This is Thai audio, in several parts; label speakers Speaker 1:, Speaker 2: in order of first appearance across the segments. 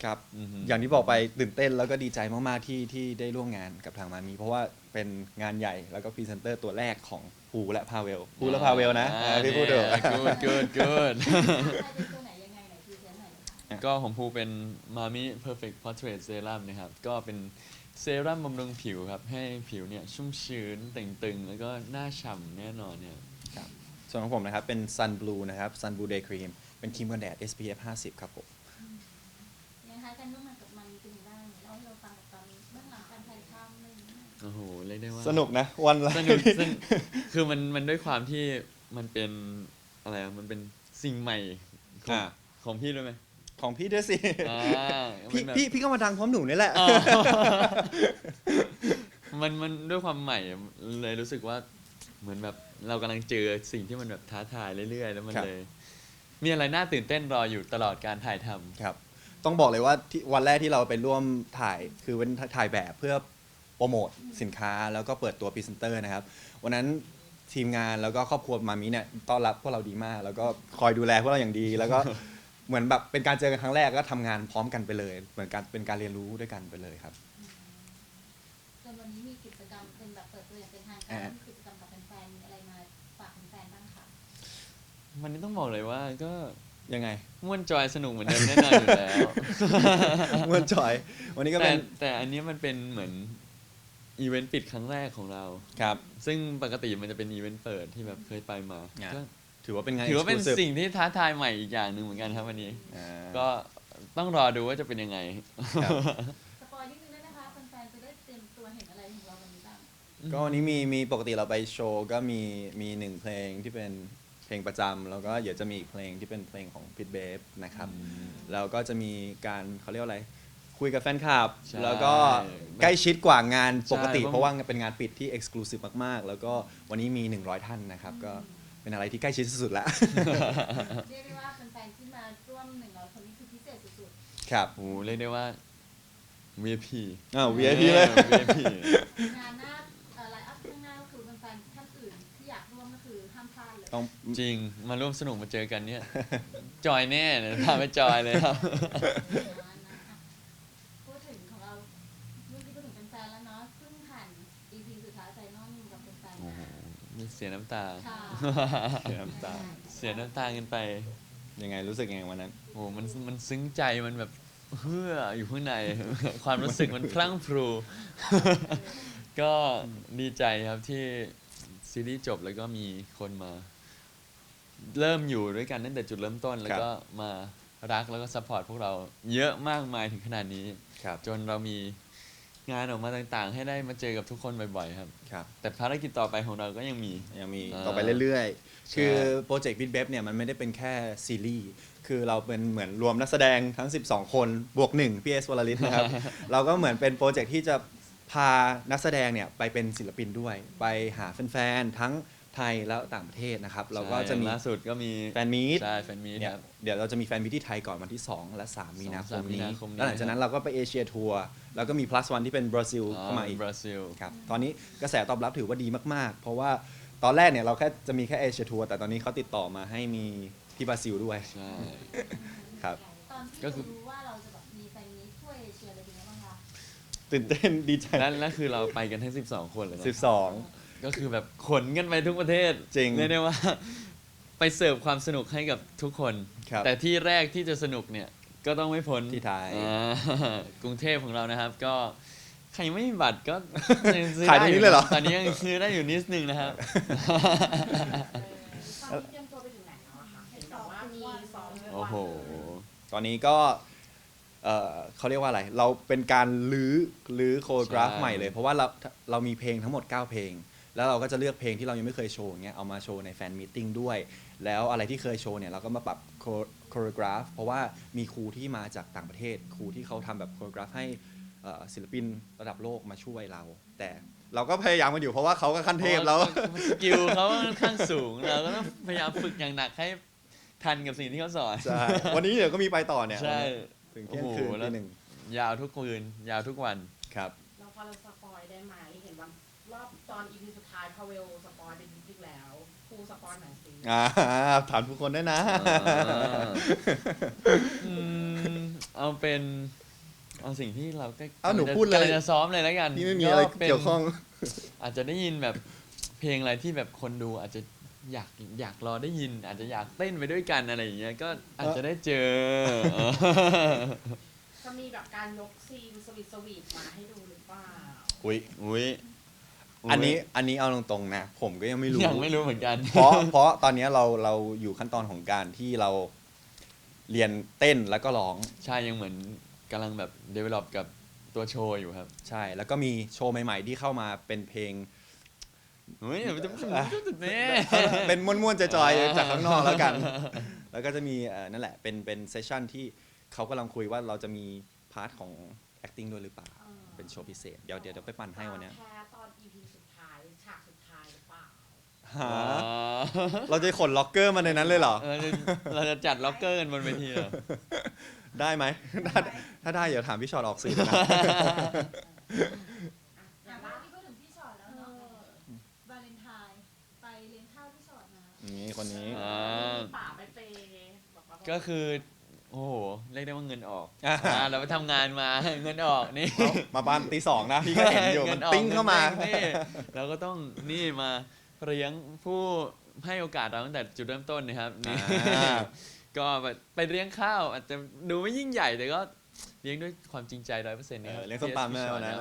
Speaker 1: ครับอย่างที่บอกไปตื่นเต้นแล้วก็ดีใจมากๆที่ได้ร่วมงานกับทางมามีเพราะว่าเป็นงานใหญ่แล้วก็พรีเซนเตอร์ตัวแรกของภูและพาเวลนะพี่พูดเถอะ
Speaker 2: good
Speaker 3: ใครเป็นตัวไหนยังไงไหนพรีเซนต์หน่อยนะคะ
Speaker 2: ก็ของภูเป็นมามิ Perfect Portrait Serum นะครับก็เป็นเซรั่มบำรุงผิวครับให้ผิวเนี่ยชุ่มชื้นเต่งตึงแล้วก็หน้าฉ่ำแน่นอนเนี่ย
Speaker 1: ครับส่วนของผมนะครับเป็น Sun Blue นะครับ Sun Blue Day Cream เป็นครีมกันแดด SPF 50 ครับผม
Speaker 3: ยังคะการร่วมงานกับมันเป็นยังไงบ้างเล่าให้เราฟังกับตอนเบื้องหลังการถ่ายทำอะไรอย่างเงี้ย
Speaker 2: โอ้โหเรียกได้ว่า
Speaker 1: สนุกนะวันละ
Speaker 2: สนุกคือมันด้วยความที่มันเป็นอะไรอะมันเป็นสิ่งใหม่ของ
Speaker 1: อ่า
Speaker 2: ของพี่ด้วยไหม
Speaker 1: ของพี่ด้วยสิ
Speaker 2: อ่า
Speaker 1: พี่
Speaker 2: มันแบบ
Speaker 1: พี่ก็มาดังพร้อมหนูนี่แหละ
Speaker 2: อ๋อ มันด้วยความใหม่อะเลยรู้สึกว่าเหมือนแบบเรากำลังเจอสิ่งที่มันแบบท้าทายเรื่อยๆ แล้วมัน
Speaker 1: ครับ
Speaker 2: เลย มีอะไรน่าตื่นเต้นรออยู่ตลอดการถ่ายทำ
Speaker 1: ครับต้องบอกเลยว่าที่วันแรกที่เราไปร่วมถ่ายคือเป็นถ่ายแบบเพื่อโปรโมทสินค้าแล้วก็เปิดตัวพรีเซนเตอร์นะครับวันนั้นทีมงานแล้วก็ครอบครัวมามิเนี่ยต้อนรับพวกเราดีมาก แล้วก็คอยดูแลพวกเราอย่างดี แล้วก็ เหมือนแบบเป็นการเจอกันครั้งแรกก็ทำงานพร้อมกันไปเลย เหมือนการเป็นการเรียนรู้ด้วยกันไปเลยครับ
Speaker 3: จนวันนี้มีกิจกรรมเป็นแบบเปิดตัวอย่างเป็นทางการมีกิจกรรมกับแฟนๆมีอะไรมาฝากแฟนๆบ้างคะ
Speaker 2: วันนี้ต้องบอกเลยว่าก็
Speaker 1: ยังไง
Speaker 2: ม่วนจอยสนุกเหมือนเดิมแน่นอนอยู่แล้ว
Speaker 1: เมื่อจอย วันนี้ก็เป็น
Speaker 2: แต่อันนี้มันเป็นเหมือนอีเวนต์ปิดครั้งแรกของเรา
Speaker 1: ครับ
Speaker 2: ซึ่งปกติมันจะเป็นอีเวนต์เปิดที่แบบเคยไปมา
Speaker 1: อ่ะ
Speaker 2: ก็
Speaker 1: ถือว่าเป็นงาน
Speaker 2: ถือว่าเป็น
Speaker 1: exclusive
Speaker 2: สิ่งที่ท้าทายใหม่อีกอย่างหนึ่งเหมือนกันครับวันนี้
Speaker 1: อ่า
Speaker 2: ก็ต้องรอดูว่าจะเป็นยังไง
Speaker 1: ครับ
Speaker 3: สปอยนิดนึงได้ไหมคะแฟนๆจะได้เตรียมตัวเห็นอะไรของเราวันนี้บ้าง
Speaker 1: ก็วันนี้มีปกติเราไปโชว์ก็มีหนึ่งเพลงที่เป็นเพลงประจำแล้วก็เดี๋ยวจะมีอีกเพลงที่เป็นเพลงของพิทเบฟนะครับแล้วก็จะมีการเขาเรียกว่าอะไรคุยกับแฟนคลับ
Speaker 2: ใช่
Speaker 1: แล้วก็ใกล้ชิดกว่างานปกติ
Speaker 2: ใช่
Speaker 1: เพราะว่าเป็นงานปิดที่เอ็กซ์คลูซีฟมากๆ แล้วก็วันนี้มี 100 ท่านนะครับ ก็เป็นอะไรที่ใกล้ชิดสุดๆแล้ว
Speaker 3: เรียกได้ว่าแฟนๆที่มาร่วม100คนนี้คือพิเศษสุด
Speaker 1: ครับ
Speaker 2: โอ้โหเรียกได้ว่า VIP
Speaker 1: VIP เลย
Speaker 2: VIP
Speaker 3: ๆงานหน้าไลน์อัพข้างหน้าก็คือแฟนๆท่านอื่นที่อยากร่วมก็คือห้ามพลาดเลย
Speaker 1: ต้อง
Speaker 2: จริงมาร่วมสนุกมาเจอกันเนี่ย จอยแน่เลยพาไปจอยเลยครับ
Speaker 3: พูดถึงของเราเมื่อกี้พูดถึงแฟนๆแล้วเนาะเพิ่งผ่าน EP สุดท้ายไฟนอลกับแฟน
Speaker 2: โอ้
Speaker 3: ๆ
Speaker 2: โห
Speaker 3: มา
Speaker 2: เสียน้ำตา
Speaker 3: ค่ะ
Speaker 1: เสียน้ำตา
Speaker 2: เสียน้ำตากันไป
Speaker 1: ยังไงรู้สึกยังไงวันนั้น
Speaker 2: โอ้โหมันซึ้งใจมันแบบเฮืออยู่ข้างใน ความรู้สึกมันพลั่งพรู ก็ดีใจครับที่ซีรีส์จบแล้วก็มีคนมา เริ่มอยู่ด้วยกันตั้งแต่จุดเริ่มต้น แล้วก็มารักแล้วก็ซัพพอร์ตพวกเราเยอะมากมายถึงขนาดนี้
Speaker 1: ครับ
Speaker 2: จนเรามีงานออกมาต่างๆ ให้ได้มาเจอกับทุกคนบ่อยๆครับ
Speaker 1: ครับ
Speaker 2: แต่ภารกิจต่อไปของเราก็ยังมี
Speaker 1: ยังมี
Speaker 2: อ่า
Speaker 1: ต่อไปเรื่อยๆ
Speaker 2: ใช่
Speaker 1: คือโปรเจกต์ Bit เนี่ยมันไม่ได้เป็นแค่ซีรีส์ คือเราเป็นเหมือนรวมนักแสดงทั้ง 12 คนบวก1พี่เอสวลลิตนะครับ เราก็เหมือนเป็นโปรเจกต์ที่จะพานักแสดงเนี่ยไปเป็นศิลปินด้วย ไปหาแฟนๆ ทั้งไทยและต่างประเทศนะครับ เราก็จะมี
Speaker 2: ล่าสุดก็มี
Speaker 1: แฟนมีต
Speaker 2: ใช่แฟนมีต
Speaker 1: เนี่ย
Speaker 2: ครับ
Speaker 1: เดี๋ยวเราจะมีแฟนมีตที่ไทยก่อนวันที่ 2 และ 3 มีนาคม
Speaker 2: 2-3มี
Speaker 1: นี้
Speaker 2: นาคมนี้
Speaker 1: แล้วหลังจากนั้นเราก็ไปเอเชียทัวร์ แล้วก็มี plus one ที่เป็นบราซิลเข้ามาอีก
Speaker 2: บราซิล
Speaker 1: ครับตอนนี้กระแสตอบรับถือว่าดีมากๆ เพราะว่าตอนแรกเนี่ยเราแค่จะมีแค่เอเชียทัวร์แต่ตอนนี้เขาติดต่อมาให้มีที่บราซิลด้วย
Speaker 2: ใช่
Speaker 1: ครับ
Speaker 3: ตอนที่
Speaker 2: ก็คือ
Speaker 3: รู้ว่าเราจะแบบมีแฟนนี้ทั่วเอเชียเลยเป็นไงบ้างคะ
Speaker 1: ตื่นเต้นดีใจ
Speaker 2: แล้วคือเราไปกันทั้ง 12 คนเลยนะ
Speaker 1: 12
Speaker 2: ก็คือแบบขนกันไปทุกประเทศ
Speaker 1: จริง
Speaker 2: เรียกได้ว่า ไปเสิร์ฟความสนุกให้กับทุกคน
Speaker 1: ครับ
Speaker 2: แต่ที่แรกที่จะสนุกเนี่ยก็ต้องไม่พ้น
Speaker 1: ที่ไทย
Speaker 2: กรุงเทพของเรานะครับ ก็ใครยังไม่มีบัตรก็ งซื้อ
Speaker 1: ขายตรงนี้เลยเหรอ
Speaker 2: ตอนนี้ยังซื้อได้อยู่นิดนึงนะครับ
Speaker 4: ตอนนี้เตรียมตัวไปถึงไหนแล้วอะคะเห็นบอกว่ามีซ้อม
Speaker 2: โอ้โห
Speaker 1: ตอนนี้ก็เขาเรียกว่าอะไร เราเป็นการลื้อโคโรกราฟ
Speaker 2: ใช่
Speaker 1: ใหม่เลย เพราะว่าเรามีเพลงทั้งหมด 9 เพลง แล้วเราก็จะเลือกเพลงที่เรายังไม่เคยโชว์อย่างเงี้ยเอามาโชว์ในแฟนมีตติ้งด้วย แล้วอะไรที่เคยโชว์เนี่ยเราก็มาปรับโคโรกราฟเพราะว่ามีครูที่มาจากต่างประเทศ ครูที่เขาทำแบบโคโรกราฟให้ศิลปินระดับโลกมาช่วยเรา แต่เราก็พยายามกันอยู่เพราะว่าเขาก็ขั้นเทพแล้ว
Speaker 2: สกิลเขาค่อนข้างสูง เราก็ต้องพยายามฝึกอย่างหนักให้ทันกับสิ่งที่เขาสอน
Speaker 1: ใช่ วันนี้เดี๋ยวก็มีไปต่อเนี่ย
Speaker 2: ใช่
Speaker 1: ถึงเที่ยงคืน
Speaker 2: โอ้โหแล้ว
Speaker 1: ตีหนึ่ง
Speaker 2: ยาวทุกคืน ยาวทุกวัน
Speaker 1: ครับ
Speaker 4: เราพอเราสปอยได้ไหมเห็นว่ารอบตอนอีพีสุดท้ายพาเวลสปอยไปนิดนึงแล้วครูสปอยหน่อยสิ
Speaker 1: ถามทุกคนได้นะ
Speaker 2: อืมเอาเป็นเอาสิ่งที่เราก็
Speaker 1: เอาหนูพูดเลย
Speaker 2: กำงจะซ้อมเลยแล้วกัน
Speaker 1: นี่ไม่มีอะไร
Speaker 2: ป็น
Speaker 1: เกี่ยวข้อง
Speaker 2: อาจจะได้ยินแบบเพลงอะไรที่แบบคนดูอาจจะอยากรอได้ยิน อาจจะอยากเต้นไปด้วยกันอะไรอย่างเงี้ยก็อาจจะได้เจอ
Speaker 4: จะมีแบบการยกซีนสวีทมาให้ดูหรือเปล่า
Speaker 1: อุ้ย
Speaker 2: อุ้ย
Speaker 1: อันนี้เอาตรงๆนะผมก็ยังไม่รู้
Speaker 2: ยังไม่รู้เหมือนกัน
Speaker 1: เพราะตอนนี้เราอยู่ขั้นตอนของการที่เราเรียนเต้นแล้วก็ร้อง
Speaker 2: ใช่ยังเหมือนกำลังแบบ develop กับตัวโชว์อยู่ครับ
Speaker 1: ใช่ แล้วก็มีโชว์ใหม่ๆที่เข้ามาเป็นเพลง
Speaker 2: เฮ้ยเดี๋ยวจะเนี่ย
Speaker 1: เป็นม้วนๆจอยๆจากข้างนอกแล้วกัน แล้วก็จะมีนั่นแหละเป็นเซสชั่นที่เขากำลังคุยว่าเราจะมีพาร์ทของ acting ด้วยหรือเปล่า เป็นโชว์พิเศษ เดี๋ยวไปปั่นให้วันเนี้ย
Speaker 4: แพ้ตอน EP สุดท้ายฉากสุดท้ายหรือเปล่า
Speaker 1: หาเราจะขนล็อกเกอร์มาในนั้นเลยเหรอ
Speaker 2: เราจะจัดล็อกเกอร์กันบนเวทีเหรอ
Speaker 1: ได้ไหม ถ้าได้เดี๋ยวถามพี่ชอตออกสื่อนะ
Speaker 3: อ่ะเมื่อกี้พูดถึงพี่ชอตแล้วเนาะวาเลนไทน์ไปเลี้ยงข้าวพี่ชอตมา
Speaker 1: นี่คนนี้
Speaker 2: อ่า
Speaker 4: ป่าไปเปย์บอกว่า
Speaker 2: ก็คือ โอ้โห เรียกได้ว่าเงินออก
Speaker 1: อ่า
Speaker 2: เราไปทำงานมา เงินออกนี่
Speaker 1: มาบ้านตีสองนะ พี่ก็เห็นอยู่ มัน
Speaker 2: งิออก
Speaker 1: ปิ้งเข้ามา
Speaker 2: นี่เราก็ต้องนี่มาเลี้ยงผู้ให้โอกาสเราตั้งแต่จุดเริ่มต้นนะครับนี่
Speaker 1: อ่า
Speaker 2: ก็ไปเลี้ยงข้าวอาจจะดูไม่ยิ่งใหญ่แต่ก็เลี้ยงด้วยความจริงใจ 100%นะครับ
Speaker 1: เลี้ยงส้มตำแม่เอานะ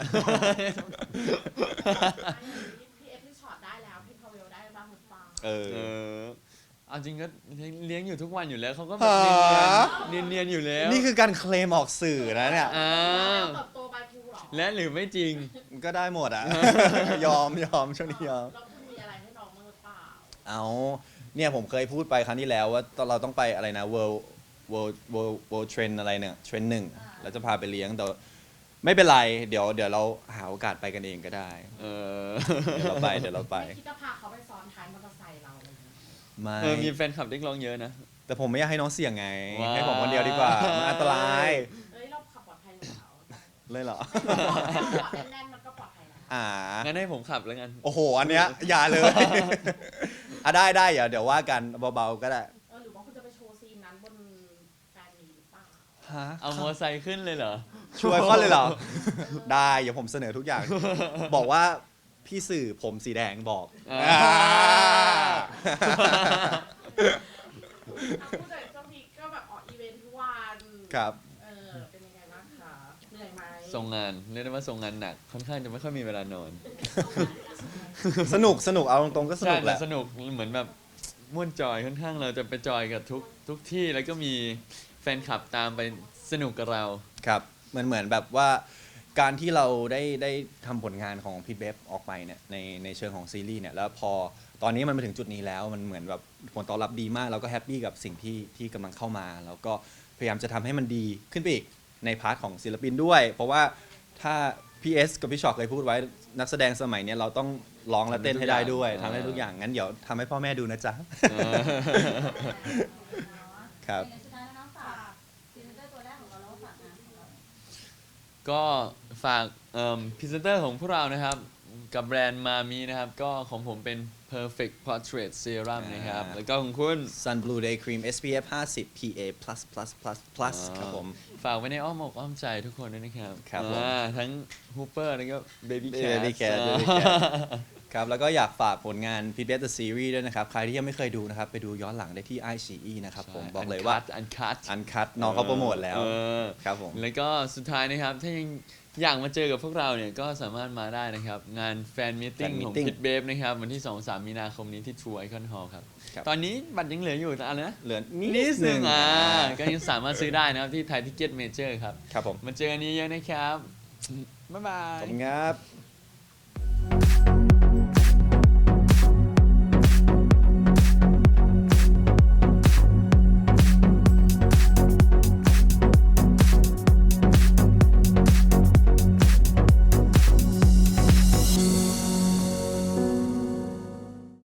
Speaker 4: พี่เอฟพี่ช็อตได้แล้วพี่พาเวลได้บ้างหรือเปล่า
Speaker 1: เออ
Speaker 2: เออเอาจริงก็เลี้ยงอยู่ทุกวันอยู่แล้วเขาก็แบบ
Speaker 1: หา
Speaker 2: เนียนๆอยู่แล้ว
Speaker 1: นี่คือการเคลมออกสื่อนะเนี่ย
Speaker 2: อ่า
Speaker 4: เติบโตบายภูหรอ
Speaker 2: และหรือไม่จริง
Speaker 1: ก็ได้หมดอ่ะ ยอมช่วงนี้ยอม
Speaker 4: เราคุณมีอะไรให้น้องบ้างหรือเปล่า
Speaker 1: เอาเนี่ยผมเคยพูดไปครั้งที่แล้วว่าเราต้องไปอะไรนะ world trend อะไรเนี่ยเทรนหนึ่งแล้วจะพาไปเลี้ยงแต่ไม่เป็นไรเดี๋ยวเราหาโอกาสไปกันเองก็ได้
Speaker 2: เออ
Speaker 1: เดี๋ยวเราไป
Speaker 4: ไม่คิดจะพาเขาไปซ้อนท้ายมอเตอร์ไซค์เราเลยนะ
Speaker 1: ไม่
Speaker 2: มีแฟนคลับเรียกร้องเยอะนะ
Speaker 1: แต่ผมไม่อยากให้น้องเสี่ยงไง
Speaker 2: ว้าว
Speaker 1: ให้ผมคนเดียวดีกว่ามันอันตราย
Speaker 4: เอ้ยเราขับปลอดภัยอยู่แล้ว
Speaker 1: เลยเหรอ
Speaker 4: ปลอดแน่นๆมันก็ปลอดภัยแล้ว
Speaker 1: อ่า
Speaker 2: งั้นให้ผมขับแล้วกัน
Speaker 1: โอ้โห อันเนี้ยอย่าเลย อ่ะได้เดี๋ยวว่ากันเบาๆก็ได้
Speaker 4: หรือว่าคุณจะไปโชว์ซีนนั้นบนแฟนมีหรือเปล่า
Speaker 1: ฮะ
Speaker 2: เอามอไซค์ขึ้นเลยเหรอ
Speaker 1: ช่วยข้อเลยเหรอ ได้เดี๋ยวผมเสนอทุกอย่าง บอกว่าพี่สื่อผมสีแดงบอก
Speaker 2: อ่า
Speaker 4: ผู้จัดเจ้าพีก็แบบออกอีเวนท์ทุกวัน
Speaker 1: ครับ
Speaker 4: เป็นยังไงบ้างคะเหนื่อยไหม
Speaker 2: ส่งงานเรียกได้ว่าส่งงานหนัก ค่อนข้างจะไม่ค่อยมีเวลานอน
Speaker 1: สนุกเอาตรงๆก็สนุกแหละ
Speaker 2: ใช่สนุกเหมือนแบบม่วนจอยค่อนข้างเราจะไปจอยกับทุกที่แล้วก็มีแฟนคลับตามไปสนุกกับเรา
Speaker 1: ครับเหมือนแบบว่าการที่เราได้ทำผลงานของพี่เบฟออกไปเนี่ยในเชิงของซีรีส์เนี่ยแล้วพอตอนนี้มันมาถึงจุดนี้แล้วมันเหมือนแบบผลตอบรับดีมากเราก็แฮปปี้กับสิ่งที่กำลังเข้ามาแล้วก็พยายามจะทำให้มันดีขึ้นไปอีกในพาร์ทของศิลปินด้วย เพราะว่าถ้าพี่เอสกับพี่ชอตเคยพูดไว้นักแสดงสมัยเนี้ยเราต้องร้องและเต้นให้ได้ด้วยทำให้ทุกอย่างงั้นเดี๋ยวทำให้พ่อแม่ดูนะจ๊ะ ครับ
Speaker 3: เป็นไงสุดท้ายแล้วน้องฝากพรีเซนเตอร์ตัวแรกของเราแล้วก็ฝากงานของเรา
Speaker 2: ก็ฝากพรีเซนเตอร์ของพวกเรานะครับ กับแบรนด์มามีนะครับ ก็ของผมเป็น perfect portrait serum นะครับ แล้วก็ของคุณ
Speaker 1: Sun Blue Day Cream SPF 50 PA++++ ครับผม
Speaker 2: ฝากไว้ในอ้อมอกอ้อมใจทุกคนด้วยนะครับ
Speaker 1: ครับผม
Speaker 2: ทั้ง Hooper แล้วก็ Baby
Speaker 1: Baby
Speaker 2: Cat
Speaker 1: Cat Baby Cat ครับแล้วก็อยากฝากผลงาน p i t b e t The Series ด้วยนะครับ ใครที่ยังไม่เคยดูนะครับ ไปดูย้อนหลังได้ที่ iQIYI นะครับผมบอกเลยว่า
Speaker 2: อันคัต
Speaker 1: อันคัดน้องเขาโปรโมทแล้ว ครับผม
Speaker 2: แล้วก็สุดท้ายนะครับ ถ้ายังอยากมาเจอกับพวกเราเนี่ย ก็สามารถมาได้นะครับ งานแฟนมิทติ้ง
Speaker 1: Fan
Speaker 2: ของ
Speaker 1: Meeting
Speaker 2: พิทเบฟนะครับ วันที่ 2-3 มีนาคมนี้ที่ True Icon Hall ครับ
Speaker 1: ครับ
Speaker 2: ตอนนี้บัตรยังเหลืออยู่แต่อะไรนะ
Speaker 1: เหลือ
Speaker 2: นิดนึงก็ยังสามารถซื้อได้นะครับ ที่ไทยทิเก็ตเมเจอร์ครับ
Speaker 1: ครับผม
Speaker 2: มาเจอกันนี้เยอะนะครับ บ๊ายบา
Speaker 1: ขอบ
Speaker 2: ย
Speaker 1: คุณครับ